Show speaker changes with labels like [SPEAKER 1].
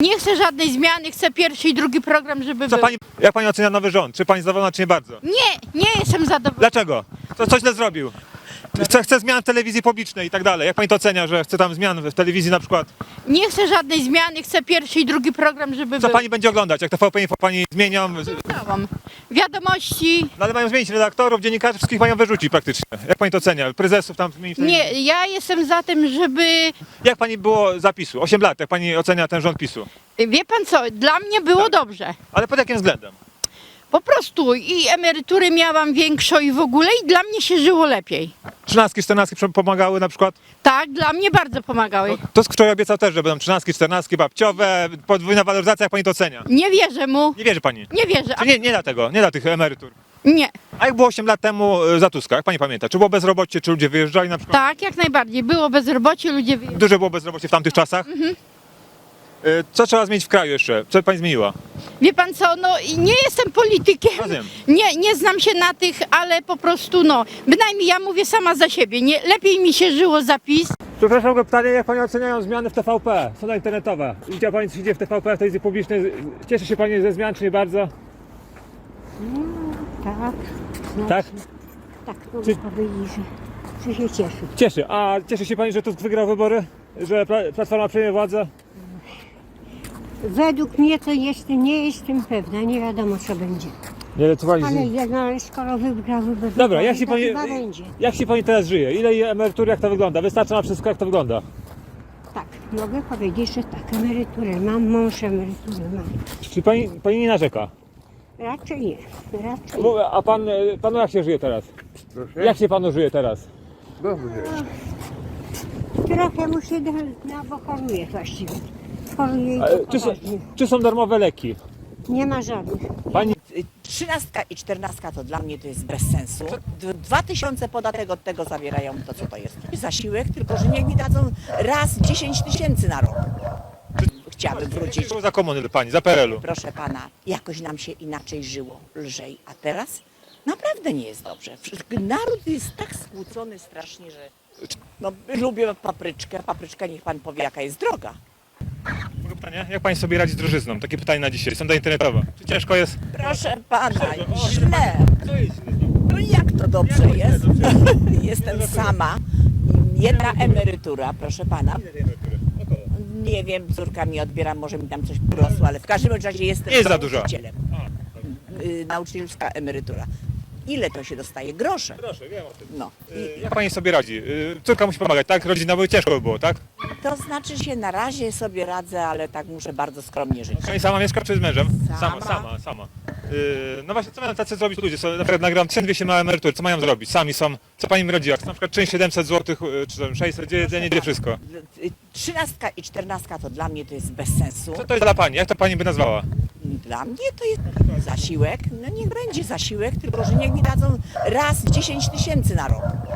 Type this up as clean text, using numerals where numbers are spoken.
[SPEAKER 1] Nie chcę żadnej zmiany, chcę pierwszy i drugi program, żeby był.
[SPEAKER 2] Jak pani ocenia nowy rząd? Czy pani zadowolona, czy nie bardzo?
[SPEAKER 1] Nie jestem zadowolona.
[SPEAKER 2] Dlaczego? Co źle zrobił? Chce zmian w telewizji publicznej i tak dalej. Jak pani to ocenia, że chce tam zmian w telewizji na przykład?
[SPEAKER 1] Nie chcę żadnej zmiany, chcę pierwszy i drugi program, żeby
[SPEAKER 2] Co
[SPEAKER 1] był.
[SPEAKER 2] pani będzie oglądać? Jak TVP Info pani zmienią?
[SPEAKER 1] Oglądałam. Wiadomości.
[SPEAKER 2] No ale mają zmienić redaktorów, dziennikarzy, wszystkich mają wyrzucić praktycznie. Jak pani to ocenia? Prezesów tam zmienić?
[SPEAKER 1] Nie, ja jestem za tym, żeby...
[SPEAKER 2] Jak pani było zapisu? 8 lat, jak pani ocenia ten rząd PiSu?
[SPEAKER 1] Wie pan co, dla mnie było dobrze.
[SPEAKER 2] Ale pod jakim względem?
[SPEAKER 1] Po prostu i emerytury miałam większą i w ogóle i dla mnie się żyło lepiej.
[SPEAKER 2] 13, 14 pomagały na przykład?
[SPEAKER 1] Tak, dla mnie bardzo pomagały.
[SPEAKER 2] Tusk wczoraj obiecał też, że będą 13, 14 babciowe, podwójna waloryzacja, jak pani to ocenia?
[SPEAKER 1] Nie wierzę mu.
[SPEAKER 2] Nie wierzy pani?
[SPEAKER 1] Nie wierzę.
[SPEAKER 2] Czy nie dla tego, nie dla tych emerytur?
[SPEAKER 1] Nie.
[SPEAKER 2] A jak było 8 lat temu za Tuska, jak pani pamięta? Czy było bezrobocie, czy ludzie wyjeżdżali na przykład?
[SPEAKER 1] Tak, jak najbardziej. Było bezrobocie, ludzie wyjeżdżali.
[SPEAKER 2] Duże było bezrobocie w tamtych czasach? Co trzeba zmienić w kraju jeszcze? Co pani zmieniła?
[SPEAKER 1] Wie pan co, no i nie jestem politykiem.
[SPEAKER 2] Rozumiem.
[SPEAKER 1] Nie znam się na tych, ale po prostu no, bynajmniej ja mówię sama za siebie. Nie, lepiej mi się żyło zapis.
[SPEAKER 2] Przepraszam go pytanie, jak pani oceniają zmiany w TVP, strona internetowa? Widziała pani, co się dzieje w TVP, w telewizji publicznej? Cieszy się pani ze zmian, czy nie bardzo?
[SPEAKER 3] Tak,
[SPEAKER 2] Tak?
[SPEAKER 3] tak mogę powiedzieć, że się cieszę.
[SPEAKER 2] Cieszy. A cieszy się pani, że Tusk wygrał wybory? Że Platforma przejmie władzę?
[SPEAKER 3] Według mnie to nie jestem pewna, nie wiadomo co będzie.
[SPEAKER 2] Nie, co pani...
[SPEAKER 3] Ale skoro wygrał wybory,
[SPEAKER 2] Dobra,
[SPEAKER 3] to
[SPEAKER 2] jak się
[SPEAKER 3] to
[SPEAKER 2] pani,
[SPEAKER 3] chyba będzie.
[SPEAKER 2] jak się pani teraz żyje? Ile jej emerytury, jak to wygląda? Wystarcza na wszystko, jak to wygląda?
[SPEAKER 3] Tak, mogę powiedzieć, że tak, emeryturę mam, mąż emeryturę mam.
[SPEAKER 2] Czy pani nie narzeka?
[SPEAKER 3] Raczej nie, raczej
[SPEAKER 2] A panu jak się żyje teraz?
[SPEAKER 4] Proszę?
[SPEAKER 2] Jak się panu żyje teraz?
[SPEAKER 4] Dobrze.
[SPEAKER 3] trochę mu się bo choruje właściwie. Choruje i to poważnie.
[SPEAKER 2] Czy są darmowe leki?
[SPEAKER 3] Nie ma żadnych.
[SPEAKER 2] Pani
[SPEAKER 5] 13 i 14 to dla mnie to jest bez sensu. 2000 podatek od tego zawierają, to co to jest? Zasiłek, tylko że niech mi dadzą raz 10 000 na rok. Chciałabym wrócić.
[SPEAKER 2] za komuny pani, za PRL-u.
[SPEAKER 5] Proszę pana, jakoś nam się inaczej żyło, lżej, a teraz naprawdę nie jest dobrze. Naród jest tak skłócony strasznie, że no, lubię papryczkę. Papryczka, niech pan powie, jaka jest droga.
[SPEAKER 2] Mogę pytanie? Jak pani sobie radzi z drożyzną? Takie pytanie na dzisiaj. Sonda internetowa. Czy ciężko jest?
[SPEAKER 5] Proszę pana, źle. No jak to dobrze jest? Jestem sama. Jedna emerytura, proszę pana. Nie wiem, córka mi odbiera, może mi tam coś urosło, ale w każdym razie jestem
[SPEAKER 2] Nie jest za dużo.
[SPEAKER 5] nauczycielem. Nauczycielska emerytura. Ile to się dostaje? Grosze.
[SPEAKER 2] Proszę, wiem o tym.
[SPEAKER 5] No.
[SPEAKER 2] Jak pani sobie radzi? Córka musi pomagać, tak? Rodzina by ciężko by było, tak?
[SPEAKER 5] To znaczy się na razie sobie radzę, ale tak muszę bardzo skromnie żyć.
[SPEAKER 2] Pani sama mieszka czy z mężem?
[SPEAKER 5] Sama.
[SPEAKER 2] Sama. No właśnie, co mają tacy zrobić ludzie? Na przykład nagram 1200 na emeryturę, co mają zrobić? Sami są. Co pani mi radzi? Jak na przykład część 700 zł, czy tam 600, gdzie jedzenie, gdzie wszystko?
[SPEAKER 5] 13 i 14 to dla mnie to jest bez sensu.
[SPEAKER 2] Co to jest dla pani? Jak to pani by nazwała?
[SPEAKER 5] Dla mnie to jest zasiłek. No niech będzie zasiłek, tylko że niech mi dadzą raz 10 000 na rok.